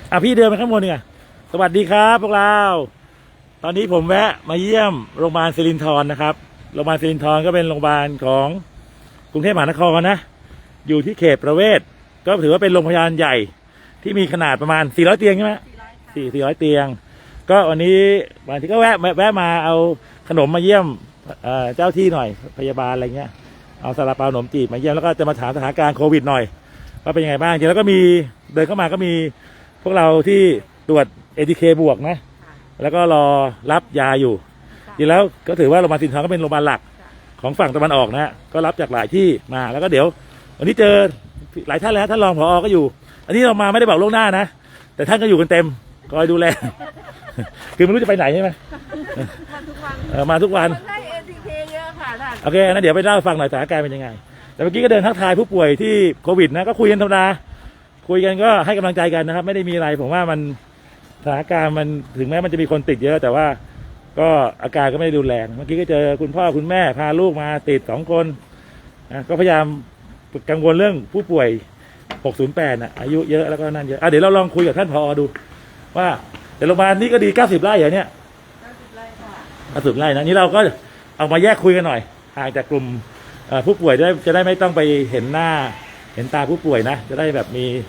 พี่เดินไปข้างบนเนี่ยสวัสดีครับพวกเราตอนนี้ผมแวะมาเยี่ยมโรงพยาบาลสิรินธรนะครับโรงพยาบาลสิรินธรก็เป็นโรงพยาบาลของกรุงเทพมหานครนะอยู่ที่เขตประเวศก็ถือว่าเป็นโรงพยาบาลใหญ่ที่มีขนาดประมาณ400เตียงใช่ไหม400เตียงก็วันนี้บางทีก็แวะมาเอาขนมมาเยี่ยมเจ้าที่หน่อยพยาบาลอะไรเงี้ยเอาซาลาเปาขนมจีบมาเยี่ยมแล้วก็จะมาถามสถานการณ์โควิดหน่อยว่าเป็นยังไงบ้างจริงแล้วก็มีเดินเข้ามาก็มีพวกเราที่ตรวจ ATK บวกนะแล้วก็รอรับยาอยู่จริงแล้วก็ถือว่าโรงพยาบาลสิรินธรก็เป็นโรงพยาบาลหลักของฝั่งตะวันออกนะก็รับจากหลายที่มาแล้วก็เดี๋ยววันนี้เจอหลายท่านแล้วท่านรองผอ.ก็อยู่อันนี้เรามาไม่ได้บอกล่วงหน้านะแต่ท่านก็อยู่กันเต็มคอยดูแล คือไม่รู้จะไปไหนใช่ไหมมาทุกวันได้ ATK เยอะค่ะท่านโอเคนะเดี๋ยวไปเล่าฟังหน่อยสถานการณ์เป็นยังไงแต่เมื่อกี้ก็เดินทักทายผู้ป่วยที่โควิดนะก็คุยกันธรรมดาคุยกันก็ให้กำลังใจกันนะครับไม่ได้มีอะไรผมว่ามันสถานการณ์มันถึงแม้มันจะมีคนติดเยอะแต่ว่าก็อาการก็ไม่ได้รุนแรงเมื่อกี้ก็เจอคุณพ่อคุณแม่พาลูกมาติด2 คนนะก็พยายามกังวลเรื่องผู้ป่วย608นะอายุเยอะแล้วก็นั่นเยอะเดี๋ยวเราลองคุยกับท่านผอ.ดูว่าแต่โรงพยาบาลนี้ก็ดี90 ไร่เหรอเนี่ย 90 ไร่ค่ะ 90 ไร่นะนี่เราก็เอามาแยกคุยกันหน่อยห่างจากกลุ่มผู้ป่วยจะได้ไม่ต้องไปเห็นหน้าเห็นตาผู้ป่วยนะจะได้แบบ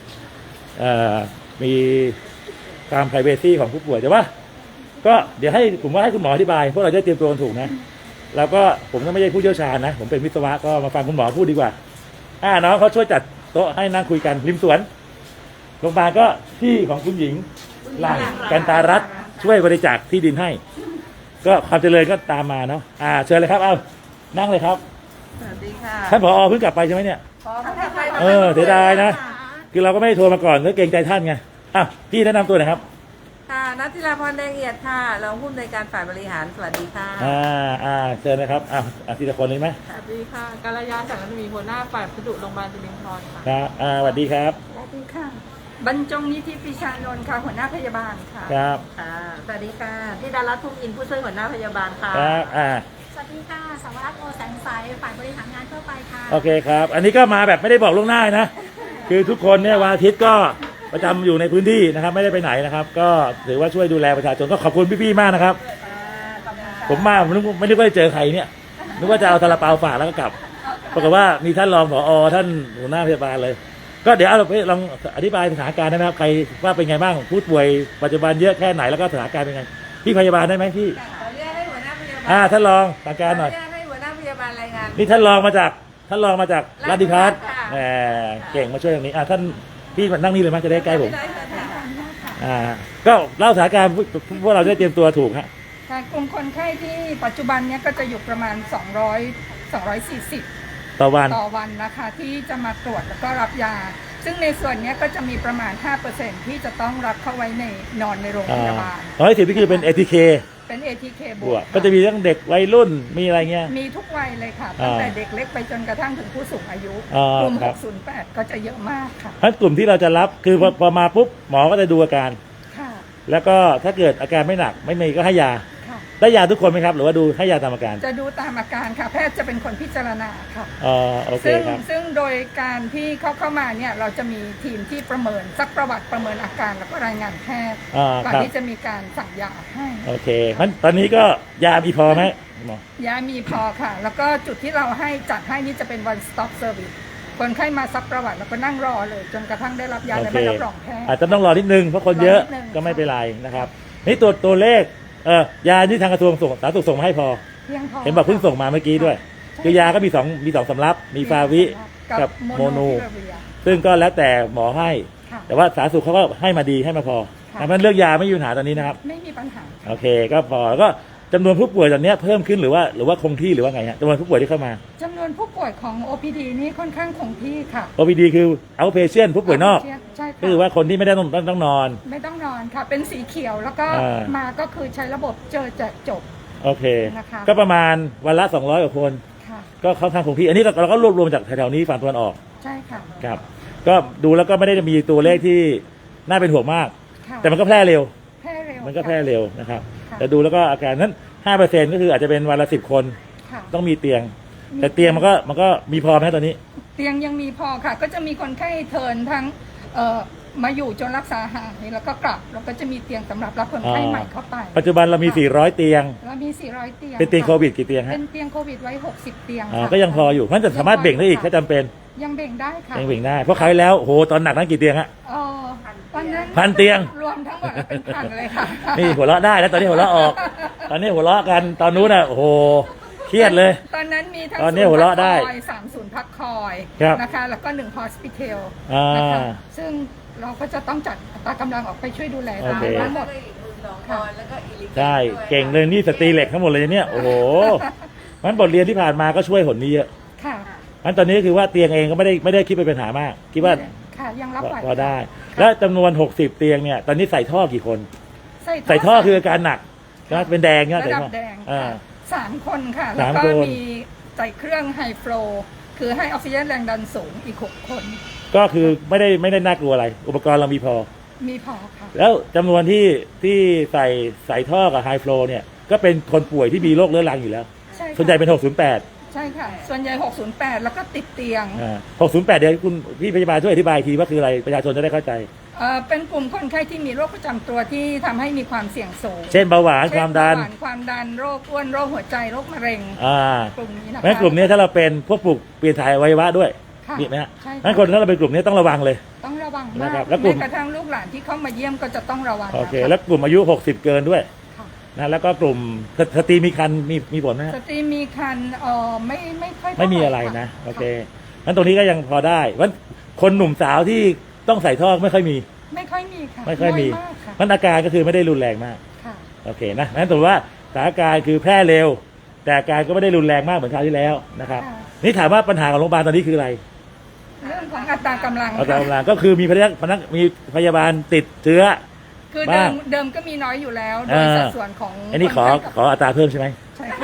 มีความ privacy ของผู้ป่วยแต่ว่าก็เดี๋ยวให้ผมว่าให้คุณหมออธิบายพวกเราจะเตรียมตัวถูกนะแล้วก็ผมก็ไม่ใช่ผู้เชี่ยวชาญนะผมเป็นวิศวะก็มาฟังคุณหมอพูดดีกว่าน้องเขาช่วยจัดโต๊ะให้นั่งคุยกันริมสวนโรงพยาบาลก็ที่ของคุณหญิงหลังกันตารัตน์ช่วยบริจาคที่ดินให้ก็ความเจริญก็ตามมาเนาะเชิญเลยครับเอานั่งเลยครับสวัสดีค่ะท่านผอ.เพิ่งกลับไปใช่ไหมเนี่ยเสียดายนะคือเราก็ไม่ได้โทรมาก่อนก็เกรงใจท่านไงพี่แนะนำตัวหน่อยครับค่ะนัทธิราพรแดงเอียดค่ะรองผู้อำนวยการฝ่ายบริหารสวัสดีค่ะเชิญนะครับทีละคนเลยไหมสวัสดีค่ะกัลยาสังกัมีหัวหน้าฝ่ายพัสดุโรงพยาบาลสิรินธรค่ะครับสวัสดีครับสวัสดีค่ะบรรจงนิธิปิชานนท์ค่ะหัวหน้าพยาบาลค่ะครับสวัสดีค่ะที่ดารัตน์ทุ่งอินผู้ช่วยหัวหน้าพยาบาลค่ะครับสวัสดีค่ะสวัสดิ์โอแสงใสฝ่ายบริหารงานทั่วไปค่ะโอเคครับอันนี้ก็มาแบบไม่ได้บอกล่วงหน้านะคือทุกคนเนี่ยวันอาทิตย์ก็ประจำอยู่ในพื้นที่นะครับไม่ได้ไปไหนนะครับก็ถือว่าช่วยดูแลประชาชนก็ขอบคุณพี่ๆมากนะครับผมมาผมไม่ได้เจอใครเนี่ยนึกว่าจะเอาซาลาเปาฝากแล้วก็กลับปรากฏว่ามีท่านรองผอ.ท่านหัวหน้าพยาบาลเลยก็เดี๋ยวเราไปลองอธิบายสถานการณ์ได้ไหมครับใครว่าเป็นไงบ้างผู้ป่วยปัจจุบันเยอะแค่ไหนแล้วก็สถานการณ์เป็นไงพี่พยาบาลได้ไหมพี่เรียกให้หัวหน้าพยาบาลท่านรองสถานการณ์หน่อยเรียกให้หัวหน้าพยาบาลรายงานนี่ท่านรองมาจากราชภัฏเก่งมาช่วยตรงนี้ท่านพี่มานั่งนี่เลยมั้ยจะได้ใกล้ผมก็เล่าสถานการณ์พวกเราจะเตรียมตัวถูกฮะกลุ่มคนไข้ที่ปัจจุบันเนี้ยก็จะอยู่ประมาณ240ต่อวันนะคะที่จะมาตรวจแล้วก็รับยาซึ่งในส่วนนี้ก็จะมีประมาณ 5% ที่จะต้องรับเข้าไว้นอนในโรงพยาบาล 110นี่คือเป็น ATK เป็น ATK บวกก็จะมีทั้งเด็กวัยรุ่นมีอะไรเงี้ยมีทุกวัยเลยค่ะตั้งแต่เด็กเล็กไปจนกระทั่งถึงผู้สูงอายุกลุ่ม608ก็จะเยอะมากค่ะเพราะกลุ่มที่เราจะรับคือพอมาปุ๊บหมอก็จะดูอาการแล้วก็ถ้าเกิดอาการไม่หนักไม่มีก็ให้ยาได้ยาทุกคนไหมครับหรือว่าดูให้ยาตามอาการจะดูตามอาการค่ะแพทย์จะเป็นคนพิจารณาค่ะโอเคครับซึ่งโดยการที่เข้ามาเนี่ยเราจะมีทีมที่ประเมินซักประวัติประเมินอาการแล้วก็รายงานแพทย์ก่อนที่จะมีการสั่งยาให้โอเคงั้นตอนนี้ก็ยามีพอไหมหมอยามีพอค่ะแล้วก็จุดที่เราให้จัดให้นี่จะเป็น one stop service คนไข้มาซักประวัติแล้วก็นั่งรอเลยจนกระทั่งได้รับยาและใบรับรองแพทย์อาจจะต้องรอนิดนึงเพราะคนเยอะก็ไม่เป็นไรนะครับนี่ตัวเลขยาที่ทางกระทรวงสาธารณสุขส่งมาให้พอเห็นบอกเพิ่งส่งมาเมื่อกี้ด้วยคือยาก็มี2สำรับมีฟาวิกับโมโนซึ่งก็แล้วแต่หมอให้แต่ว่าสาธารณสุขเขาก็ให้มาดีให้มาพอเพราะฉะนั้นเรื่องยาไม่มีปัญหาตอนนี้นะครับไม่มีปัญหาโอเคก็พอแล้วก็จำนวนผู้ป่วยตอนนี้เพิ่มขึ้นหรือว่าคงที่หรือว่าไงฮะจำนวนผู้ป่วยที่เข้ามาจำนวนผู้ป่วยของ OPD นี่ค่อนข้างคงที่ค่ะ OPD คือ outpatient ผู้ป่วยนอกก็คือว่าคนที่ไม่ได้ต้องนอนไม่ต้องนอนค่ะเป็นสีเขียวแล้วก็มาก็คือใช้ระบบเจอแจกจบโอเคก็ประมาณวันละ200 กว่าคนก็ค่อนข้างคงที่อันนี้เราก็รวบรวมจากแถวๆนี้ฝั่งตะวันออกใช่ค่ะครับก็ดูแล้วก็ไม่ได้มีตัวเลขที่น่าเป็นห่วงมากแต่มันก็แพร่เร็วมันก็แพร่เร็วนะครับแต่ดูแล้วก็อาการนั้น 5% ก็คืออาจจะเป็นวันละ10 คนต้องมีเตียงแต่เตียงมันก็มีพอไหมตอนนี้เตียงยังมีพอค่ะก็จะมีคนไข้เทิร์นทั้งมาอยู่จนรักษาหายแล้วก็กลับแล้วก็จะมีเตียงสำหรับรับคนไข้ใหม่เข้าไปปัจจุบันเรามี 400 เตียงแล้วมี 400 เตียงเป็นเตียงค่ะโควิดกี่เตียงฮะเป็นเตียงโควิดไว้ 60 เตียงอ่าค่ะก็ยังพออยู่เพราะฉะนั้นจะสามารถเบ่งได้อีกถ้าจำเป็นยังเบ่งได้ค่ะยังเบ่งได้เพราะคราวที่แล้วโอ้โหตอนหนักนั้นกี่เตียงฮะเอ่อตอนนั้น 1,000 เตียงรวมทั้งหมดแล้วเป็นพันเลยค่ะนี่หัวเราะได้แล้วตอนนี้หัวเราะออก ตอนนี้หัวเราะกันตอนนู้นอ่ะโอ้โหเครียดเลยตอนนั้นมีทั้งตอนนี้หัวเราะได้ 3 ศูนย์พักคอยครับนะคะแล้วก็1 hospital อ่านนะคะซึ่งเราก็จะต้องจัดอัตรากำลังออกไปช่วยดูแลโอเคทั้งหมดแล้วก็อีก12 คนแล้วก็อีลิใช่เก่งเลยนี่สตรีเหล็กทั้งหมดเลยเนี่ยโอ้โหมันบทเรียนที่ผ่านมาก็ช่วยหนนี้เยอะค่ะมันตอนนี้คือว่าเตียงเองก็ไม่ได้คิดเป็นปัญหามากคิดว่าค่ะยังรับไหวพอได้ แล้วจำนวน60เตียงเนี่ยตอนนี้ใส่ท่อกี่คน ใส่ท่อคืออาการหนักนะเป็นแดงเนี่ยระใส่ดับท่อแดงอ่าค่ะ3 คนค่ะสาแล้วมก็คนมีใส่เครื่องไฮโฟลคือให้ออกซิเจนแรงดันสูงอีก 6 คนก็คือไม่ได้น่ากลัวอะไร อุปกรณ์เรามีพอมีพอค่ะแล้วจำนวนที่ใส่ท่อกับไฮฟลูเนี่ยก็เป็นคนป่วยที่มีโรคเรื้อรังอยู่แล้วใช่ค่ะส่วนใหญ่เป็น 608 ใช่ค่ะ ส่วนใหญ่ 608 แล้วก็ติดเตียง 608 เดี๋ยวคุณพี่พยาบาลช่วยอธิบายอีกทีว่าคืออะไรประชาชนจะได้เข้าใจเป็นกลุ่มคนไข้ที่มีโรคประจำตัวที่ทำให้มีความเสี่ยงสูงเช่นเบาหวานความดันเช่เบหวความดันโรคอ้วนโรคหัวใจโรคมะเร็งอ่ากลุ่มนี้นะคะแม้กลุ่มนี้ถ้าเราเป็นพวกปลูกเปลี่ยนถ่ายอวัยวะด้วยค่ะมีไหมฮะใช่ค่ะงั้นคนถ้าเราเป็นกลุ่มนี้ต้องระวังเลยต้องระวังนะมากครับแล้วกลุ่มแม้กระทั่งลูกหลานที่เข้ามาเยี่ยมก็จะต้องระวังโอเคนะคะแล้วกลุ่มอายุ 60 เกินด้วยค่ะนะแล้วก็กลุ่มสตรีมีครรภ์มีผลไหมฮะสตรีมีคันไม่ค่อยเท่าหไม่มีอะไรค่นะโอเคงั้นตรงนี้ก็ยังพอได้วันคนหนุ่มสาวที่ต้องใส่ท่อไม่ค่อยมีไม่ค่อยมีค่ะไม่ค่อยมีน้ากค่ะมันอาการก็คือไม่ได้รุนแรงมากค่ะโอเคนะนั้นถือว่าสถานการณ์คือแพร่เร็ว แต่อาการก็ไม่ได้รุนแรงมากเหมือนคราวที่แล้วนะครับค่ะนี่ถามว่าปัญหาของโรงพยาบาลตอนนี้คืออะไรเรื่องของอัตรากำลังเอาตามค่ะกำลังก็คือมีมีพยาบาลติดเชื้อคือบ้างเดิมก็มีน้อยอยู่แล้ว โดอ่ายสัดส่วนของอันนี้ขอคไข้กับอัตราเพิ่มใช่ไหมใช่ค่ะ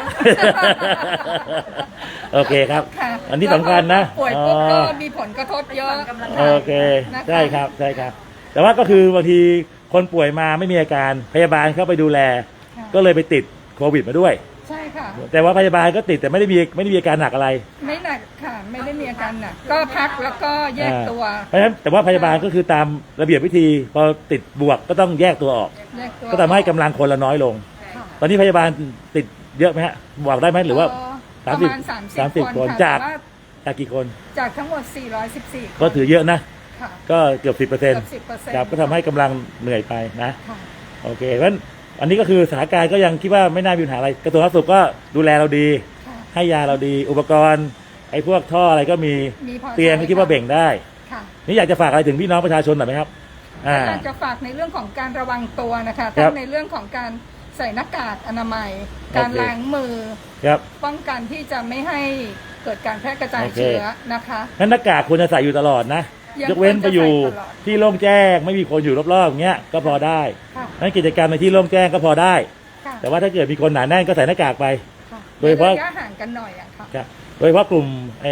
โอเคครับค่ะอันนี้สำคัญนะแล้วพอป่วยปุ๊บก็มีผลกระทบเยอะโอเคนะคะใช่ครับใช่ครับ แต่ว่าก็คือบางทีคนป่วยมาไม่มีอาการพยาบาลเข้าไปดูแลค่ะก็เลยไปติดโควิดมาด้วยใช่ค่ะแต่ว่าพยาบาลก็ติดแต่ไม่ได้มีอาการหนักอะไรไม่หนักค่ะ ไม่ได้มีอาการหนัก ก็พักแล้วก็แยกตัวเพราะฉะนั้นแต่ว่าพยาบาลก็คือตามระเบียบวิธีพอติดบวกก็ต้องแยกตัวออกแยกตัวก็ทำให้กำลังคนละน้อยลงค่ะตอนนี้พยาบาลติดเยอะไหมฮะบอกได้ไหมหรือว่าประมาณ 30 คนจากค่ะแต่ว่าจากกี่คนจากทั้งหมด 414 ก็ถือเยอะนะค่ะก็เกือบ 10% เกือบ10% ครับก็ทำให้กำลังเหนื่อยไปนะค่ะโอเคเพราะฉะนั้นอันนี้ก็คือสถานการณ์ก็ยังคิดว่าไม่น่ามีปัญหาอะไรกระทรวงสาธารณสุขก็ดูแลเราดีค่ะให้ยาเราดี อุปกรณ์ไอ้พวกท่ออะไรก็มีมีพอเตียงก็คิดว่าเบ่งได้ค่ะนี่อยากจะฝากอะไรถึงพี่น้องประชาชนหน่อยไหมครับอ่าอยากจะฝากในเรื่องของการระวังตัวนะคะครัทั้บงในเรื่องของการใส่หน้ากากอนามัย การโอเคล้างมือครับป้องกันที่จะไม่ให้เกิดการแพร่กระจายโอเคเชื้อนะคะงั้นหน้ากากควรจะใส่อยู่ตลอดนะยังยกเว้นไปอยู่ควรจะใส่ตลอดที่โล่งแจ้งไม่มีคนอยู่รอบๆอย่างเงี้ยก็พอได้ค่ะนั้นกิจกรรมในที่โล่งแจ้งก็พอได้ค่ะแต่ว่าถ้าเกิดมีคนหนาแน่นก็ใส่หน้ากากไปค่ะโดยเฉพาะระยะห่างกันหน่อยอะค่ะครับโดยเฉพาะกลุ่มไอ้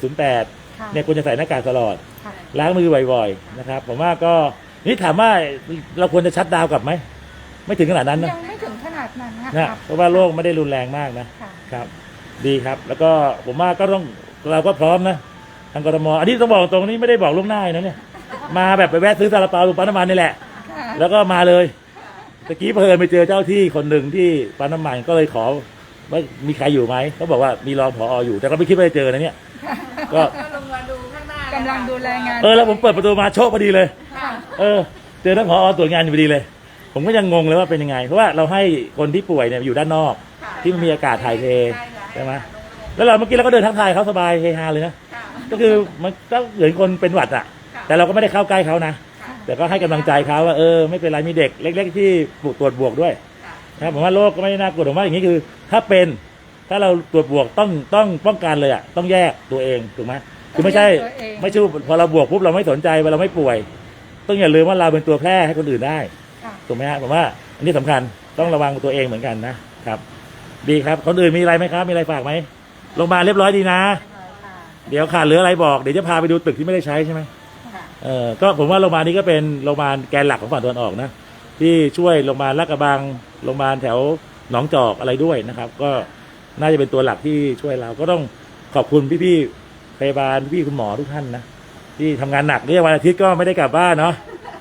608 ค่ะเนี่ยควรจะใส่หน้ากากตลอดค่ะล้างมือบ่อยๆนะครับผมว่าก็นี่ถามว่าเราควรจะชัดดาวน์กลับไหมไม่ถึงขนาดนั้นนะยังไม่ถึงขนาดนั้นนะนะครับ เพราะว่าโรคไม่ได้รุนแรงมากนะค่ะครับ ดีครับ แล้วก็ผมว่าก็ต้องเราก็พร้อมนะทางกทมอันนี้ต้องบอกตรงนี้ไม่ได้บอกล่วงหน้านะเนี่ยมาแบบไปแวะซื้อซาลาเปาตรงปั๊มน้ำมันนี่แหละค่ะแล้วก็มาเลยตะกี้เพลินไปเจอเจ้าที่คนหนึ่งที่ปั๊มน้ำมันก็เลยขอว่ามีใครอยู่ไหมเขาบอกว่ามีรองผออยู่ แต่ก็ไม่คิดว่าจะเจอนะเนี่ย ก็ก็ลงมาดูข้างหน้ากำลังดูแลงานแล้วผมเปิดประตูมาโชคพอดีเลยค่ะเจอท่านผอตรวจงานอยู่พอดีเลย ผมก็ยังงงเลยว่าเป็นยังไง เพราะว่าเราให้คนที่ป่วยเนี่ยอยู่ด้านนอกค่ะที่มันมีอากาศถ่ายเทใช่ค่ะใช่ไหมแล้วเราเมื่อกี้เราก็เดินทักทายเขาสบายเฮฮาเลยนะค่ะก็คือมันก็เหมือนคนเป็นหวัดอ่ะค่ะแต่เราก็ไม่ได้เข้าใกล้เขานะค่ะแต่ก็ให้กำลังใจเขาว่าไม่เป็นไรมีเด็กเล็ก ๆ ที่ตรวจบวกด้วยค่ะนะครับผมว่าโรคก็ไม่ได้น่ากลัวผมว่าอย่างนี้คือ ถ้าเราตรวจบวกต้องป้องกันเลยอ่ะต้องแยกตัวเองถูกไหมคือไม่ใช่พอเราบวกปุ๊บเราไม่สนใจว่าเราไม่ป่วย ต้องอย่าลืมว่าเราเป็นตัวแพร่ให้คนอื่นได้ค่ะถูกไหมฮะผมว่าอันนี้สำคัญต้องระวังตัวเองเหมือนกันนะครับ ดีครับคนอื่นมีอะไรไหมครับ มีอะไรฝากไหมโรงพยาบาลเรียบร้อยดีนะ เดี๋ยวขาดเหลืออะไรบอกเดี๋ยวจะพาไปดูตึกที่ไม่ได้ใช้ใช่ไหมค่ะก็ผมว่าโรงพยาบาลนี้ก็เป็นโรงพยาบาลแกนหลักของฝั่งตะวันออกนะที่ช่วยโรงพยาบาลลาดกระบังโรงพยาบาลแถวหนองจอกอะไรด้วยนะครับ ก็น่าจะเป็นตัวหลักที่ช่วยเราก็ต้องขอบคุณพี่ๆพยาบาลพี่ๆคุณหมอทุกท่านนะที่ทำงานหนักเรียกวันอาทิตย์ก็ไม่ได้กลับบ้านเนาะ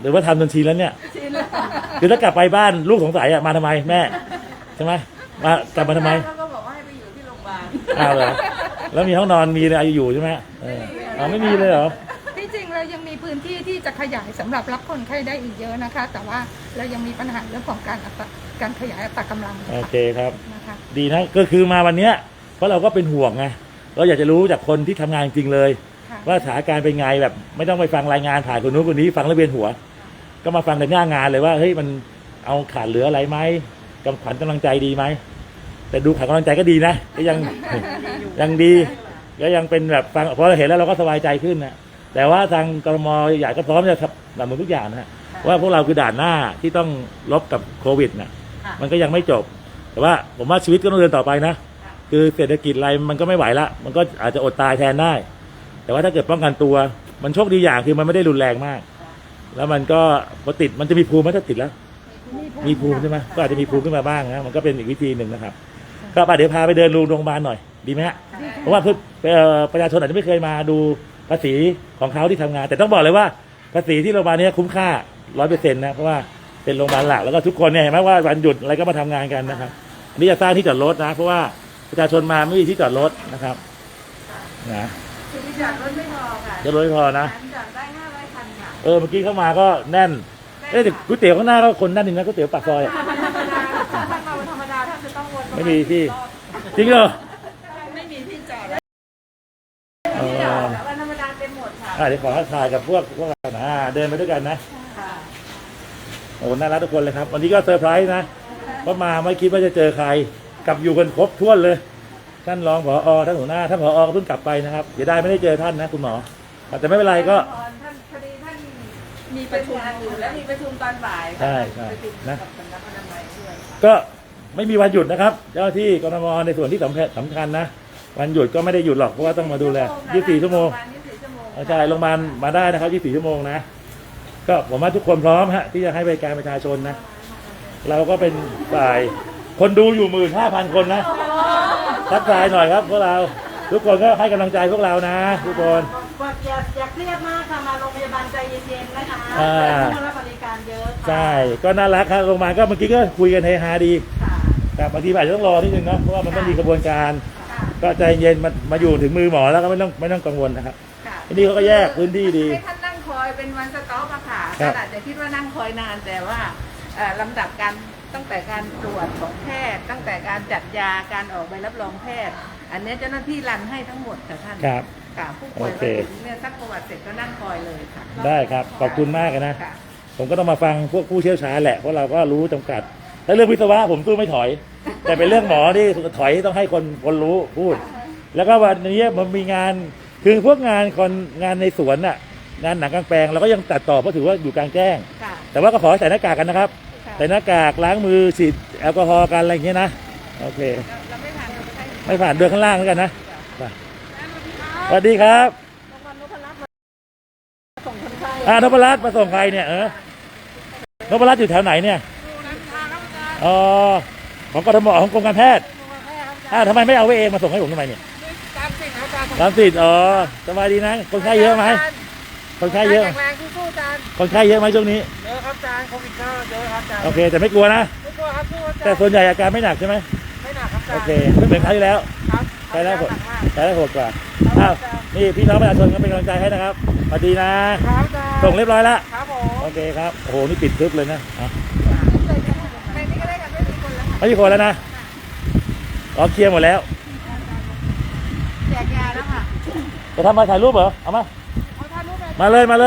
หรือว่าทำจนชินแล้วเนี่ยชินแล้วคือถ้ากลับไปบ้านลูกสงสัยอะมาทำไมแม่ใช่ไหมมากลับมาทำไมแล้วก็บอกว่าให้ไปอยู่ที่โรงพยาบาลอ้าวเหรอแล้วมีห้องนอนมีอะไรอยู่ใช่ไหมไม่มีเลยเหรอที่จริงเรายังมีพื้นที่ที่จะขยายสำหรับรับคนไข้ได้อีกเยอะนะคะ แต่ว่าเรายังมีปัญหาเรื่องของการขยายอัตรากำลังโอเคครับนะคะดีนะก็คือมาวันเนี้ยเพราะเราก็เป็นห่วงไงเราอยากจะรู้จากคนที่ทำงานจริงเลยค่ะว่าสถานการณ์เป็นไงแบบไม่ต้องไปฟังรายงานผ่านคนนู้นคนนี้ฟังแล้วเวียนหัว ก็มาฟังในหน้างานเลยว่าเฮ้ยมันเอาขาดเหลืออะไรไหมกำขวัญกำลังใจดีไหมแต่ดูขาดกำลังใจก็ดีนะก็ยัง ยังดีก็ยังเป็นแบบฟังพอเราเห็นแล้วเราก็สบายใจขึ้นนะแต่ว่าทางกรมใหญ่ก็พร้อมจะทำหนุนทุกอย่างนะว่าพวกเราคือด่านหน้าที่ต้องลบกับโควิดนะค่ะมันก็ยังไม่จบ แต่ว่าผมว่าชีวิตก็ต้องเดินต่อไปนะ คือเศรษฐกิจอะไรมันก็ไม่ไหวละมันก็อาจจะอดตายแทนได้ แต่ว่าถ้าเกิดป้องกันตัว มันโชคดีอย่างคือมันไม่ได้รุนแรงมาก แล้วมันก็พอติดมันจะมีภูมิไหมถ้าติดแล้ว มีภูมิใช่ไหมก็อาจจะมีภูมิขึ้นมาบ้างนะมันก็เป็นอีกวิธีหนึ่งนะครับ ก็เดี๋ยวพาไปเดินดูโรงพยาบาลหน่อยดีไหมฮะเพราะว่าประชาชนอาจจะไม่เคยมาดูภาษีของเขาที่ทำงาน แต่ต้องบอกเลยว่าภาษีที่โรงพยาบาลนี้คุ้มค่า 100%นะเพราะว่าเป็นโรงพยาบาลหลักแล้วก็ทุกคนเนี่ยเห็นไหมว่าวันหยุดอะไรก็มาทำงานกันนะครับอันนี้จะสร้างที่จอดรถนะ เพราะว่าประชาชนมาไม่มีที่จอดรถนะครับนะคือที่จอดรถไม่พอค่ะจอดรถไม่พอนะจอดได้500 คันค่ะเมื่อกี้เข้ามาก็แน่นแต่ก๋วยเตี๋ยวข้างหน้าก็คนแน่นจริงนะก๋วยเตี๋ยวปากซอยอะธรรมดาถ้ามาวันธรรมดาท่านจะต้องวนไม่มีที่จริงเหรอไม่มีที่จอดเอที่จออดวันธรรมดาเต็มหมดค่ะเดี๋ยวขอถ่ายกับพวกเรานะเดินไปด้วยกันนะค่ะโอ้น่ารักทุกคนเลยครับ วันนี้ก็เซอร์ไพรส์นะเพราะมาไม่คิดว่าจะเจอใครกลับอยู่กันครบถ้วนเลย ท่านรองผอท่านหัวหน้าท่านผอก็เพิ่งกลับไปนะครับเดี๋ยวได้ไม่ได้เจอท่านนะคุณหมอแต่ไม่เป็นไรก็ท่านพอดีท่านมีประชุมงานอยู่แล้วมีประชุมตอนบ่ายใช่ใช่ประชุมนะกับสำนักอนามัยด้วยค่ะก็ไม่มีวันหยุดนะครับเจ้าหน้าที่กรมในส่วนที่สำคัญนะวันหยุดก็ไม่ได้หยุดหรอกเพราะว่าต้องมาดูแล24 ชั่วโมง 24 ชั่วโมงใช่โรงพยาบาลมาได้นะครับ24 ชั่วโมงนะก็ผมว่าทุกคนพร้อมฮะที่จะให้บริการประชาชนนะเราก็เป็นฝ่ายคนดูอยู่ 15,000 คนนะทักทายหน่อยครับพวกเราทุกคนก็ให้กำลังใจพวกเรานะทุกคนบอกอย่าเครียดมากค่ะมาโรงพยาบาลใจเย็นๆนะคะอ่าผู้รับบริการเยอะค่ะใช่ก็น่ารักครับโรงพยาบาลก็เมื่อกี้ก็คุยกันเฮฮาดีค่ะแต่บางทีอาจจะต้องรอนิดนึงนะเพราะว่ามันต้องมีกระบวนการค่ะก็ใจเย็นมาอยู่ถึงมือหมอแล้วก็ไม่ต้องกังวลนะครับค่ะที่นี่เขาก็แยกพื้นที่ดีให้ท่านนั่งคอยเป็นวันสต็อปอะค่ะครับท่านอาจจะคิดว่านั่งคอยนานแต่ว่าลำดับการตั้งแต่การตรวจของแพทย์ ตั้งแต่การจัดยาการออกใบรับรองแพทย์ อันนี้เจ้าหน้าที่รันให้ทั้งหมดค่ะท่านครับค่ะผู้ป่วยโอเคมาถึงเนี่ยสักประวัติเสร็จก็นั่งคอยเลยค่ะได้ครับขอบคุณมากนะค่ะผมก็ต้องมาฟังพวกผู้เชี่ยวชาญแหละเพราะเราก็รู้จำกัดถ้าเรื่องวิศวะผมสู้ไม่ถอย แต่เป็นเรื่องหมอที่ถอยต้องให้คนรู้พูด แล้วก็วันนี้มันมีงานคือพวกงานในสวนน่ะงานหนังกลางแปลงเราก็ยังตัดต่อเพราะถือว่าอยู่กลางแจ้งค่ะแต่ว่าก็ขอให้ใส่หน้ากากกันนะครับค่ะใส่หน้ากากล้างมือฉีดแอลกอฮอล์กันอะไรอย่างเงี้ยนะโอเคเราไม่ผ่านเราไม่ได้ไม่ผ่านเดินข้างล่างแล้วกันนะไปสวัสดีครับรางวัลนพรัตน์มาส่งคนไข้นพรัตน์มาส่งใครเนี่ยนพรัตน์อยู่แถวไหนเนี่ยอ๋อของกทมของกรมการแพทย์ทำไมไม่เอาไว้เองมาส่งให้ผมทำไมเนี่ยตามสิทธิ์ครับอาจารย์ตามสิทธิ์สบายดีนะคนไข้เยอะไหมคนไข้เยอะแข็งแรงสู้ๆอาจารย์คนไข้เยอะไหมช่วงนี้เยอะครับอาจารย์โควิดก็เยอะครับอาจารย์โอเค แต่ไม่กลัวนะไม่กลัวครับสู้อาจารย์แต่ส่วนใหญ่อาการไม่หนักใช่ไหมไม่หนักครับอาจารโอย์เคไม่เหมือนคราวที่แล้วครับใช้ได้ผลหนักมากใช้ได้ผลกว่าอ้าวนี่พี่น้องประชาชนก็เป็นกำลังใจให้นะครับสวัสดีนะครับอาจารย์ส่งเรียบร้อยแล้วครับผมโอเคครับโอ้โหนี่ปิดทึบเลยนะอ่ะในนี้ก็ได้กันไม่มีคนแล้วค่ะไม่มีคนแล้วนะเคลียร์หมดแล้วแจกยาแล้วค่ะจะทำมาถ่ายรูปเหรอเอามาเอาถ่ายรูปเลยมาเลยมาเลย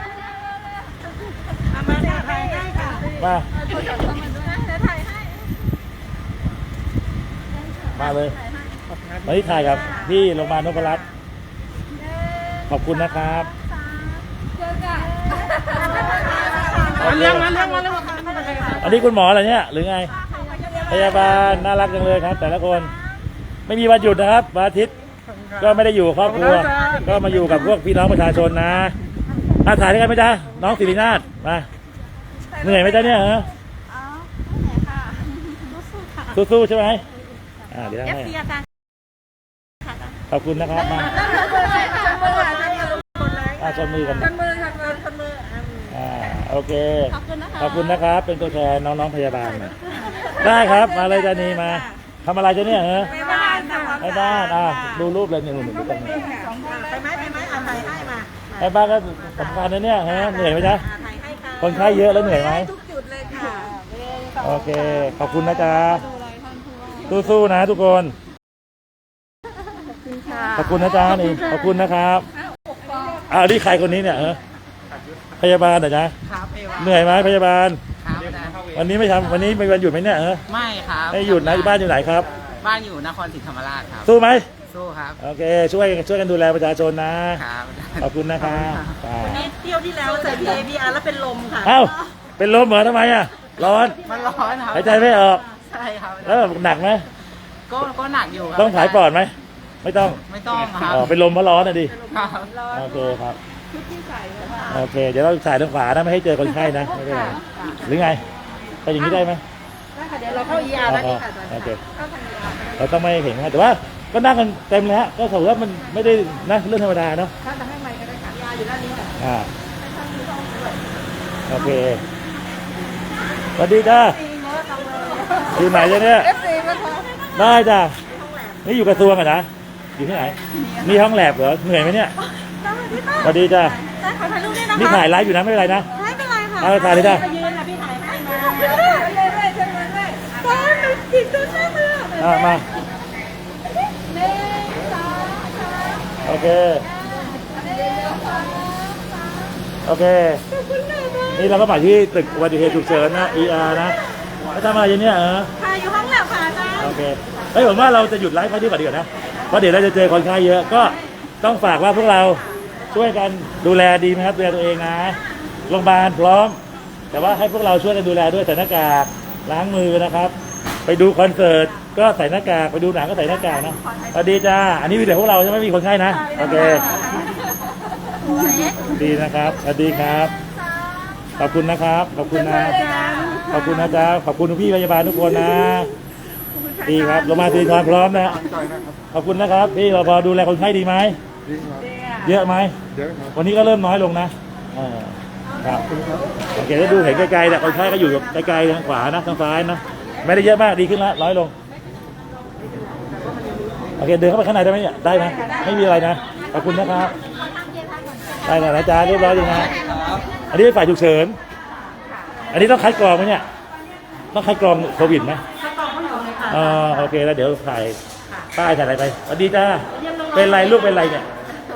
เอามาถ่ายได้ค่ะมาเดี๋ยวถ่ายให้มาเลยมาที่ถ่ายครับที่โรงพยาบาลนพรัตน์ขอบคุณนะครับมาเรื่องมาเรื่องอันนี้คุณหมอเหรอเนี่ยหรือไงพยาบาลน่ารักจังเลยครับ แต่ละคนไม่มีวันหยุดนะครับวันอาทิตย์ก็ไม่ได้อยู่กับครอบครัว ก็มาอยู่กับพวกพี่น้องประชาชนนะถ่ายด้วยกันไหมจ๊ะน้องศิรินาถมาเหนื่อยไหมจ๊ะเนี่ยฮะสู้ๆใช่ไหมเดี๋ยวให้ขอบคุณนะครับมาชนมือกันชนมือค่ะชนมือโอเคขอบคุณนะคะขอบคุณนะครับ เป็นตัวแทนน้องๆพยาบาลหน่อยได้ครับมาเลยจานีมาทำอะไรจะเนี่ยเหรอไปบ้านค่ะไปบ้านดูรูปเลยเนี่ยหนูดูกันไปไหมเอาไทยให้มาไปบ้านก็สำคัญนะเนี่ยฮะเหนื่อยไหมจ๊ะไทยให้ค่ะคนไข้เยอะแล้วเหนื่อยไหมทุกจุดเลยค่ะโอเค ขอบคุณนะจ๊ะสู้ๆนะทุกคน ขอบคุณนะจ๊ะนี่ ขอบคุณนะครับนี่ใครคนนี้เนี่ยพยาบาลเหรอจ๊ะครับเอวาเหนื่อยไหมพยาบาลครับวันนี้ไม่ทำวันนี้เป็นวันหยุดไหมเนี่ยไม่ครับไม่หยุดนะบ้านอยู่ไหนครับบ้านอยู่นครศรีธรรมราชครับสู้ไหมสู้ครับโอเค ช่วยกันดูแลประชาชนนะครับขอบคุณนะครับอ่าเที่ยวที่แล้วใส่ PABR แล้วเป็นลมค่ะเอ้า เป็นลมเหรอทำไมอ่ะ ร้อนมันร้อนครับหายใจไม่ออกใช่ครับแล้วหนักไหมก็หนักอยู่ครับต้องผายปอดไหม ไม่ต้องไม่ต้องครับอ๋อเป็นลมเพราะร้อนนะดิครับโอเคครับโอเค เดี๋ยวเราถ่ายทางขวานะไม่ให้เจอคนไข้นะ ไม่เป็นไร หรือไงไปอย่างนี้ได้ไหมเดี๋ยวเราเข้า ER แล้วนี่ค่ะโอเค เราต้องไม่เห็นนะแต่ว่าก็นั่งกันเต็มเลยฮะ ก็ถือว่ามันไม่ได้นะเรื่องธรรมดาเนาะถ้าจะให้ไมค์ก็ได้ค่ะ ER อยู่ด้านนี้ค่ะโอเคสวัสดีจ้าอยู่ไหนจ้ะเนี่ย FC นะคะได้จ้ะนี่อยู่กระทรวงอะนะอยู่ที่ไหนมีห้องแลบเหรอเหนื่อยไหมเนี่ยสวัสดีจ้าได้ขอถ่ายรูปด้วยนะคะนี่ถ่ายไลฟ์อยู่นะไม่เป็นไรนะไม่เป็นไรค่ะเอาถ่ายเลยจ้ะยืนค่ะพี่ถ่ายให้มาตอนหนูติดตัวใช่ไหมมาโอเคโอเคนี่เราก็มาที่ตึกอุบัติเหตุฉุกเฉินนะ ER นะแล้วทำอะไรอยู่เนี่ยค่ะอยู่ห้องแลบค่ะอาจารย์โอเคเฮ้ยผมว่าเราจะหยุดไลฟ์ไว้ที่ก่อนดีกว่านะเพราะเดี๋ยวเราจะเจอคนไข้เยอะก็ต้องฝากว่าพวกเราช่วยกันดูแลดีไหมครับดูแลตัวเองนะโรงพยาบาลพร้อม แต่ว่าให้พวกเราช่วยกันดูแลด้วยใส่หน้ากากล้างมือนะครับ ไปดูคอนเสิร์ตก็ใส่หน้ากากไปดูหนังก็ใส่หน้ากากนะสวัสดีจ้าอันนี้มีแต่พวกเราใช่ไหมมีคนไข้นะโอเคดีนะครับสวัสดีครับขอบคุณนะครับขอบคุณนะขอบคุณนะจ๊ะขอบคุณพี่พยาบาลทุกคนนะดีครับโรงพยาบาลศิริธรพร้อมนะขอบคุณนะครับพี่เราพอดูแลคนไข้ดีไหมเยอะไหมวันนี้ก็เริ่มน้อยลงนะครับโอเคได้ดูเห็นไกลๆแต่คนไข้ก็อยู่ไกลๆทางขวานะทางซ้ายนะไม่ได้เยอะมากดีขึ้นแล้วน้อยลงโอเคเดินเข้าไปข้างในได้ไหมเนี่ยได้ไหมไม่มีอะไรนะขอบคุณนะครับได้นะจ๊ะเรียบร้อยดีนะอันนี้เป็นฝ่ายฉุกเฉินอันนี้ต้องคัดกรองไหมเนี่ยต้องคัดกรองโควิดไหมโอเคแล้วเดี๋ยวถ่ายป้ายถ่ายอะไรไปสวัสดีจ้าเป็นไรลูกเป็นไรเนี่ย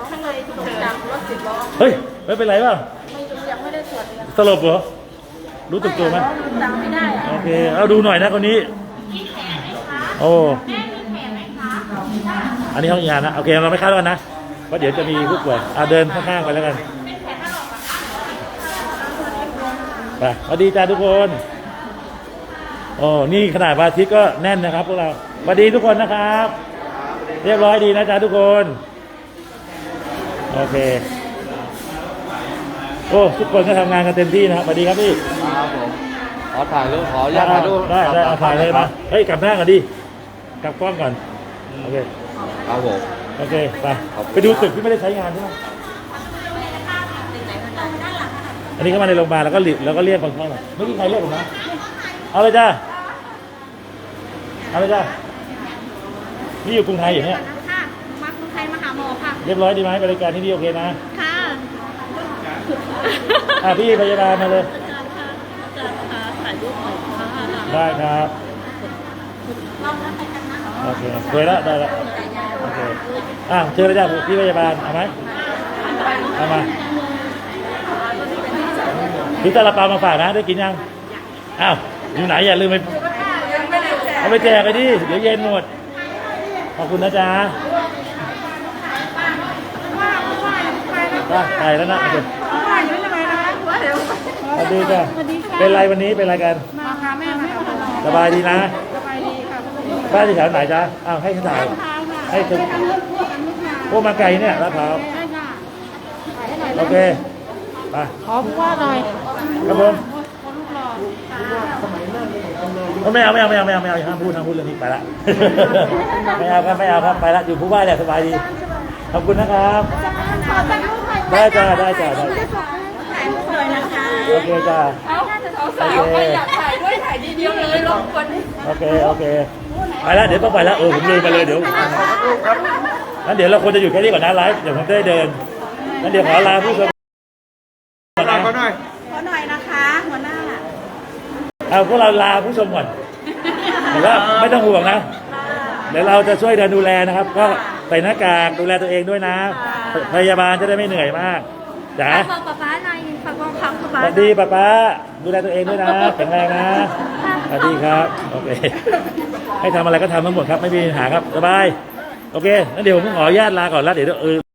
เฮ้ยไม่เป็นไรเปล่าสลบเหรอรู้ตึกตัวไหมโอเคเอาดูหน่อยนะคนนี้โอ้อันนี้ห้องยานะโอเคเราไม่คาดกันนะเพราะเดี๋ยวจะมีผู้ป่วยเดินข้างๆไปแล้วกันไปสวัสดีจ้าทุกคนโอ้นี่ขนาดวันอาทิตย์ก็แน่นนะครับพวกเราสวัสดีทุกคนนะครับเรียบร้อยดีนะจ๊ะทุกคนโอเคโอ้ทุกคนก็ทำงานกันเต็มที่นะครับสวัสดีครับพี่ครับผมขอถ่ายรูปขออนุญาตถ่ายรูปได้เอาถ่ายเลยมาเฮ้ยกลับหน้าก่อนดิกลับกล้องก่อนโอเคครับผมโอเคไปดูตึกที่ไม่ได้ใช้งานใช่ไหมอันนี้เข้ามาในโรงพยาบาลแล้วก็เรียกคนไข้มาไม่มีใครเรียกผมนะเอาเลยจ้าเอาเลยจ้านี่อยู่กรุงไทยอย่างเนี้ยค่ะมากรุงไทยมาหาหมอค่ะเรียบร้อยดีไหมบริการที่นี่โอเคนะค่ะพี่พยาบาลมาเลยอาจารย์ค่ะถ่ายรูปหน่อยค่ะได้ครับโอเคเคยแล้วได้แล้วโอเคเชิญเลยจ้าพี่พยาบาลเอาไหมเอามาพี่ซาลาเปามาฝากนะได้กินยังอ้าวอยู่ไหนอย่าลืมไปเอาไปแจกไปดิเดี๋ยวเย็นหมดขอบคุณนะจ๊ะไปแล้วนะโอเคสวัสดีจ้ะเป็นไรวันนี้เป็นไรกันมาพาแม่มาค่ะสบายดีนะสบายดีค่ะบ้านที่แถวไหนจ๊ะให้ฉันถ่ายให้ถึงพวกมาไกลเนี่ยลาดพร้าวโอเคไปขอผู้ว่าหน่อยครับผมไม่เอาห้ามพูดเรื่องนี้ไปละไม่เอาครับไปละอยู่ผู้ว่าเนี่ยสบายดีขอบคุณนะครับได้จ้าถ่ายรูปหน่อยนะคะโอเคจ้าเอาสาวๆใครอยากถ่ายด้วยถ่ายทีเดียวเลยลงคนโอเคโอเคไปแล้วเดี๋ยวต้องไปแล้วผมลืมไปเลยเดี๋ยวงั้นเดี๋ยวเราควรจะอยู่แค่นี้ก่อนนะไลฟ์เดี๋ยวผมจะได้เดินงั้นเดี๋ยวขอลาผู้ชมก่อนนะขอหน่อยนะคะหัวหน้าเอาพวกเราลาผู้ชมก่อนแต่ว่าไม่ต้องห่วงนะเดี๋ยวเราจะช่วยเดินดูแลนะครับ ก็ใส่หน้ากากดูแลตัวเองด้วยนะพยาบาลจะได้ไม่เหนื่อยมากจ๋าฝากป๊าป๊าหน่อยฝากบอกคำป๊าสป๊าวัสดีป้าป้าดูแลตัวเองด้วยนะแข็งแรงนะสวัสดีครับโอเคให้ทำอะไรก็ทำทั้งหมดครับไม่มีปัญหาครับสบายโอเคงั้นเดี๋ยวผมขออนุญาตลาก่อนแล้วเดี๋ยว